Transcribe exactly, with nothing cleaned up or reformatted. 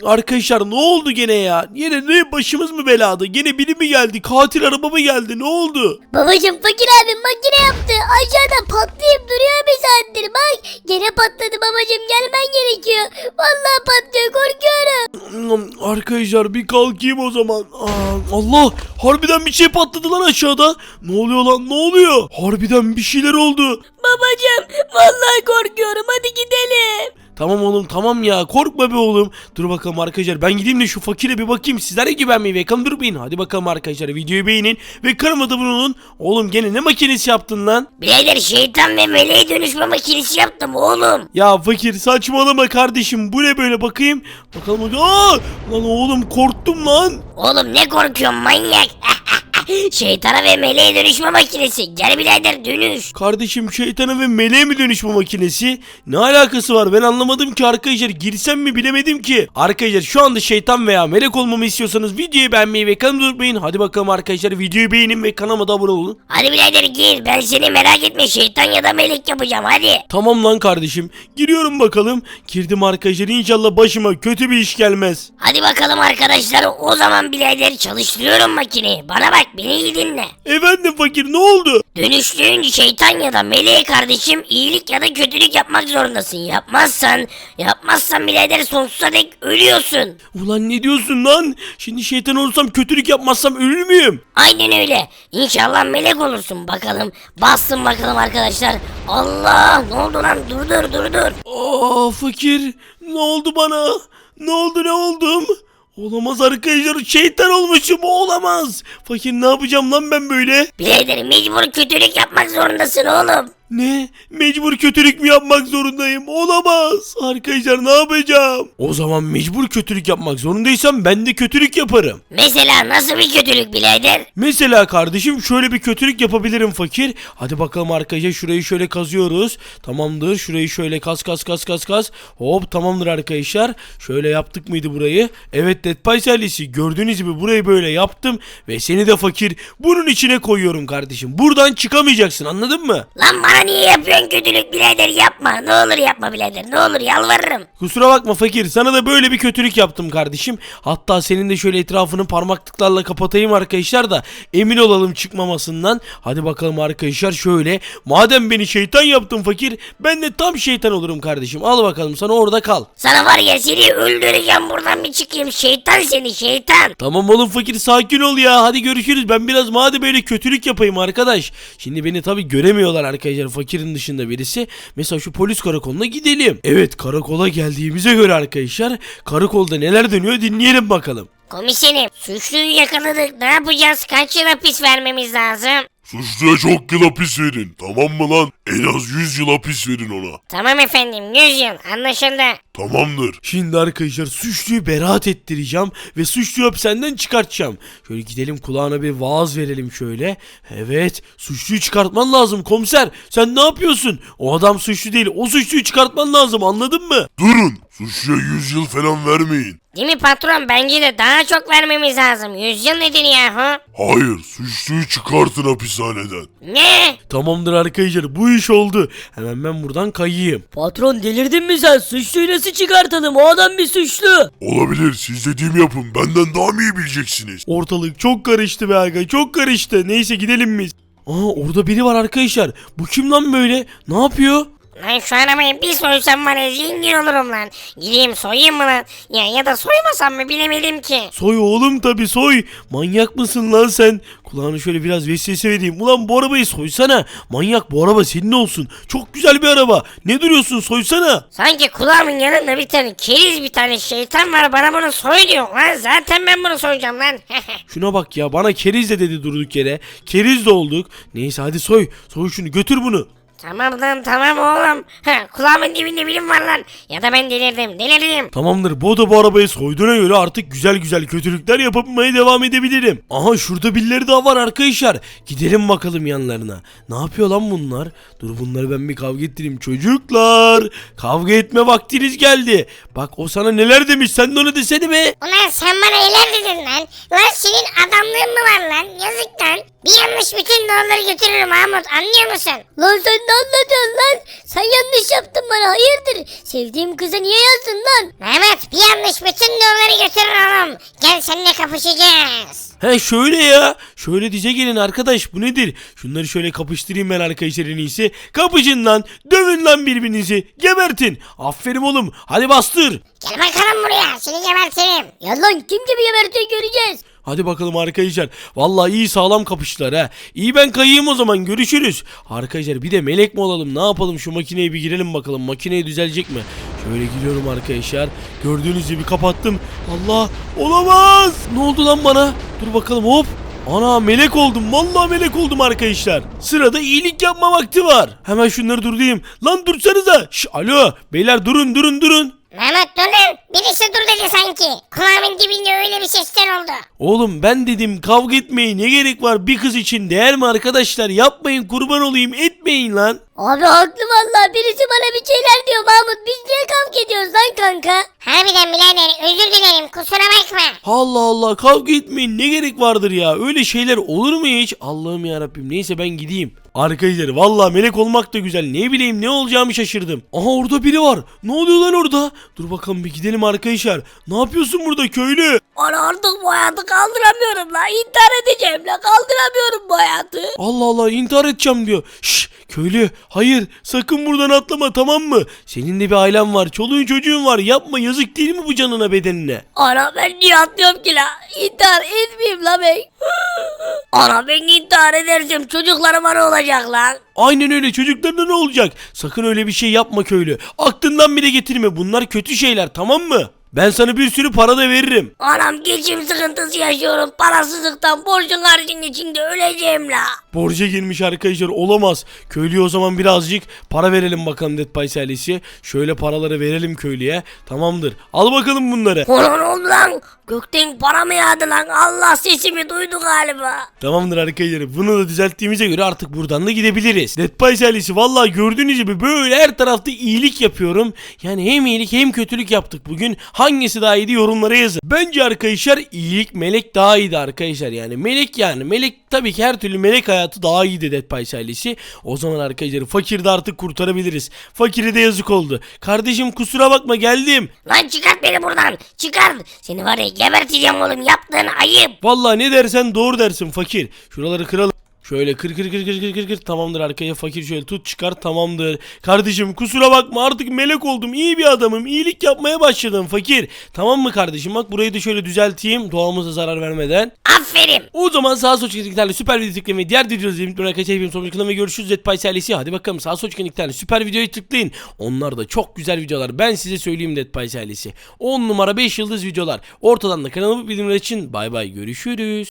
Arkadaşlar ne oldu gene ya? Yine ne başımız mı belada? Gene biri mi geldi? Katil araba mı geldi? Ne oldu? Babacım fakir abim makine yaptı. Aşağıda patlayıp duruyor bir saattir bak. Gene patladı babacım, gelmen gerekiyor. Vallahi patlıyor, korkuyorum. Arkadaşlar bir kalkayım o zaman. Aa, Allah! Harbiden bir şey patladı lan aşağıda. Ne oluyor lan? Ne oluyor? Harbiden bir şeyler oldu. Babacım vallahi korkuyorum, hadi gidelim. Tamam oğlum tamam ya, korkma be oğlum. Dur bakalım arkadaşlar, ben gideyim de şu fakire bir bakayım. Sizler de güvenmeyi ve kanı durmayın. Hadi bakalım arkadaşlar, videoyu beğenin ve kanalıma da abone olun. Oğlum gene ne makinesi yaptın lan? Birader şeytan ve meleğe dönüşme makinesi yaptım oğlum. Ya fakir saçmalama kardeşim, bu ne böyle, bakayım. Bakalım. Aa! Lan oğlum korktum lan. Oğlum ne korkuyorsun manyak? Şeytana ve meleğe dönüşme makinesi. Gel birader dönüş. Kardeşim şeytana ve meleğe mi dönüşme makinesi? Ne alakası var, ben anlamadım ki arkadaşlar, girsem mi bilemedim ki. Arkadaşlar şu anda şeytan veya melek olmamı istiyorsanız videoyu beğenmeyi ve kanalıma unutmayın. Hadi bakalım arkadaşlar, videoyu beğenin ve kanalıma da abone olun. Hadi birader gir, ben seni merak etme, şeytan ya da melek yapacağım hadi. Tamam lan kardeşim, giriyorum bakalım. Girdim arkadaşlar, inşallah başıma kötü bir iş gelmez. Hadi bakalım arkadaşlar, o zaman birader çalıştırıyorum makineyi. Bana bak, beni iyi dinle. Efendim fakir, ne oldu? Dönüştüğün şeytan ya da meleğe kardeşim iyilik ya da kötülük yapmak zorundasın. Yapmazsan, yapmazsan birader sonsuza dek ölüyorsun. Ulan ne diyorsun lan? Şimdi şeytan olursam, kötülük yapmazsam ölür müyüm? Aynen öyle. İnşallah melek olursun bakalım. Bassın bakalım arkadaşlar. Allah, ne oldu lan? Dur dur dur dur. Aa fakir, ne oldu bana? Ne oldu, ne oldum? Olamaz arkadaşlar, şeytan olmuşum, olamaz. Fakir ne yapacağım lan ben böyle? Birader mecbur kötülük yapmak zorundasın oğlum. Ne? Mecbur kötülük mü yapmak zorundayım? Olamaz. Arkadaşlar ne yapacağım? O zaman mecbur kötülük yapmak zorundaysam ben de kötülük yaparım. Mesela nasıl bir kötülük birader? Mesela kardeşim şöyle bir kötülük yapabilirim fakir. Hadi bakalım arkadaşlar, şurayı şöyle kazıyoruz. Tamamdır, şurayı şöyle kaz kaz kaz kaz kaz. Hop tamamdır arkadaşlar. Şöyle yaptık mıydı burayı? Evet Dead Pies ailesi, gördüğünüz gibi burayı böyle yaptım. Ve seni de fakir bunun içine koyuyorum kardeşim. Buradan çıkamayacaksın, anladın mı? Lan bana niye yapıyorsun kötülük birader, yapma. Ne olur yapma birader, ne olur yalvarırım. Kusura bakma fakir, sana da böyle bir kötülük yaptım kardeşim. Hatta senin de şöyle etrafını parmaklıklarla kapatayım arkadaşlar da emin olalım çıkmamasından. Hadi bakalım arkadaşlar, şöyle. Madem beni şeytan yaptın fakir, ben de tam şeytan olurum kardeşim. Al bakalım sana, orada kal. Sana var ya, seni öldüreceğim, buradan bir çıkayım. Şeytan seni, şeytan. Tamam oğlum fakir, sakin ol ya. Hadi görüşürüz. Ben biraz madem böyle kötülük yapayım arkadaş. Şimdi beni tabi göremiyorlar arkadaşlar, fakirin dışında birisi. Mesela şu polis karakoluna gidelim. Evet, karakola geldiğimize göre arkadaşlar, karakolda neler dönüyor dinleyelim bakalım. Komiserim, suçluyu yakaladık. Ne yapacağız? Kaç yıl hapis vermemiz lazım? Suçluya çok yıl hapis verin, tamam mı lan? En az yüz yıl hapis verin ona. Tamam efendim, yüz yıl anlaşıldı. Tamamdır. Şimdi arkadaşlar suçluyu beraat ettireceğim ve suçluyu hapishaneden çıkartacağım. Şöyle gidelim, kulağına bir vaaz verelim şöyle. Evet, suçluyu çıkartman lazım komiser. Sen ne yapıyorsun? O adam suçlu değil, o suçluyu çıkartman lazım, anladın mı? Durun, suçluya yüz yıl falan vermeyin. Değil mi patron? Bence de daha çok vermemiz lazım. yüz yıl nedir yahu? Hayır, suçluyu çıkartın hapishaneden. Ne? Tamamdır arkadaşlar, bu iş oldu. Hemen ben buradan kayayım. Patron delirdin mi sen? Suçluyu nasıl çıkartalım? O adam bir suçlu. Olabilir, siz dediğimi yapın, benden daha mı iyi bileceksiniz? Ortalık çok karıştı be aga, çok karıştı. Neyse gidelim biz. Aa, orada biri var arkadaşlar. Bu kim lan böyle? Ne yapıyor? Lan şu arabayı bir soysam var ya, zengin olurum lan. Gideyim soyayım mı lan? Ya ya da soymasam mı, bilemedim ki. Soy oğlum, tabi soy. Manyak mısın lan sen? Kulağını şöyle biraz vesvese vereyim. Ulan bu arabayı soysana. Manyak, bu araba senin olsun. Çok güzel bir araba. Ne duruyorsun, soysana. Sanki kulağımın yanında bir tane keriz, bir tane şeytan var, bana bunu soy diyor lan. Zaten ben bunu soyacağım lan. Şuna bak ya, bana keriz de dedi durduk yere. Keriz de olduk. Neyse hadi soy. Soy şunu, götür bunu. Tamam lan tamam oğlum. Ha, kulağımın dibinde bilim var lan. Ya da ben delirdim delirdim. Tamamdır, bu da bu arabayı soyduğuna göre artık güzel güzel kötülükler yapmaya devam edebilirim. Aha, şurada birileri daha var arkadaşlar. Gidelim bakalım yanlarına. Ne yapıyor lan bunlar? Dur, bunları ben bir kavga ettireyim. Çocuklar, kavga etme vaktiniz geldi. Bak, o sana neler demiş, sen de ona desene be. Ulan sen bana neler dedin lan? Lan senin adamlığın mı var lan? Yazık lan. Bir yanlış bütün dolarları götürürüm Mahmut, anlıyor musun? Lan sen ne anlatıyorsun lan? Sen yanlış yaptın bana hayırdır? Sevdiğim kıza niye yazdın lan? Mehmet bir yanlış bütün dolarları götürür oğlum. Gel seninle kapışacağız. He şöyle ya. Şöyle dize gelin arkadaş, bu nedir? Şunları şöyle kapıştırayım ben arkadaşlar en iyisi. Kapışın lan. Dövün lan birbirinizi. Gebertin. Aferin oğlum. Hadi bastır. Gel bakalım buraya, seni gebertirim. Ya lan kim gibi gebertiyor göreceğiz. Hadi bakalım arkadaşlar. Vallahi iyi sağlam kapıştılar ha. İyi ben kayayım o zaman, görüşürüz. Arkadaşlar bir de melek mi olalım, ne yapalım, şu makineye bir girelim bakalım. Makineye düzelecek mi? Şöyle giriyorum arkadaşlar. Gördüğünüz gibi kapattım. Allah, olamaz. Ne oldu lan bana? Dur bakalım, hop. Ana melek oldum. Vallahi melek oldum arkadaşlar. Sırada iyilik yapma vakti var. Hemen şunları durdurayım. Lan dursanıza. Şş, alo beyler, durun durun durun. Mehmet dur lan, birisi dur dedi sanki. Kulağımın dibinde öyle bir sesler oldu. Oğlum ben dedim kavga etmeye ne gerek var, bir kız için değer mi arkadaşlar? Yapmayın, kurban olayım, etmeyin lan. Abi haklı vallahi, birisi bana bir şeyler diyor Mahmut. Biz niye kavga ediyoruz lan kanka? Harbiden birader, özür dilerim, kusura bakma. Allah Allah, kavga etmeyin, ne gerek vardır ya, öyle şeyler olur mu hiç? Allah'ım yarabbim, neyse ben gideyim. Arkadaşlar vallahi melek olmak da güzel, ne bileyim ne olacağımı şaşırdım. Aha orada biri var, ne oluyor lan orada? Dur bakalım bir gidelim arkadaşlar. Ne yapıyorsun burada köylü? Ana artık bu hayatı kaldıramıyorum la. İntihar edeceğim la. Kaldıramıyorum bu hayatı. Allah Allah, intihar edeceğim diyor. Şşş köylü, hayır sakın buradan atlama, tamam mı? Senin de bir ailen var, çoluğun çocuğun var, yapma, yazık değil mi bu canına bedenine? Ana ben niye atlıyorum ki la? İntihar etmeyeyim la ben. Ana ben intihar edersem çocuklarıma ne olacak lan? Aynen öyle, çocuklarına ne olacak? Sakın öyle bir şey yapma köylü. Aklından bile getirme, bunlar kötü şeyler, tamam mı? Ben sana bir sürü para da veririm. Anam geçim sıkıntısı yaşıyorum. Parasızlıktan borcun harcın içinde öleceğim la. Borca girmiş arkadaşlar, olamaz. Köylüye o zaman birazcık para verelim bakalım, Dead Pies ailesi. Şöyle paraları verelim köylüye. Tamamdır. Al bakalım bunları. Ona ne oldu lan? Gökten para mı yağdı lan? Allah sesimi duydu galiba. Tamamdır arkadaşlar. Bunu da düzelttiğimize göre artık buradan da gidebiliriz. Dead Pies ailesi vallahi gördüğünüz gibi böyle her tarafta iyilik yapıyorum. Yani hem iyilik hem kötülük yaptık bugün. Hangisi daha iyiydi yorumlara yazın. Bence arkadaşlar iyilik, melek daha iyiydi arkadaşlar. Yani melek, yani melek tabii ki her türlü melek hayatı daha iyiydi Dead Pies ailesi. O zaman arkadaşlar fakiri de artık kurtarabiliriz. Fakire de yazık oldu. Kardeşim kusura bakma, geldim. Lan çıkart beni buradan, çıkar. Seni var ya geberteceğim oğlum, yaptığın ayıp. Vallahi ne dersen doğru dersin fakir. Şuraları kıralım. Şöyle kır kır kır kır kır kır kır. Tamamdır arkaya fakir, şöyle tut çıkar, tamamdır. Kardeşim kusura bakma, artık melek oldum, iyi bir adamım, iyilik yapmaya başladım fakir. Tamam mı kardeşim, bak burayı da şöyle düzelteyim doğamıza zarar vermeden. Aferin. O zaman sağ sol çıkan süper video tıklayın ve diğer videoları izleyin. Arkadaşlar hepimiz sonraki kanalda görüşürüz. Dead Pies ailesi, hadi bakalım sağ sol çıkan süper videoyu tıklayın. Onlar da çok güzel videolar, ben size söyleyeyim Dead Pies ailesi. on numara beş yıldız videolar. Ortadan da kanalıma bildirimler için bay bay, görüşürüz.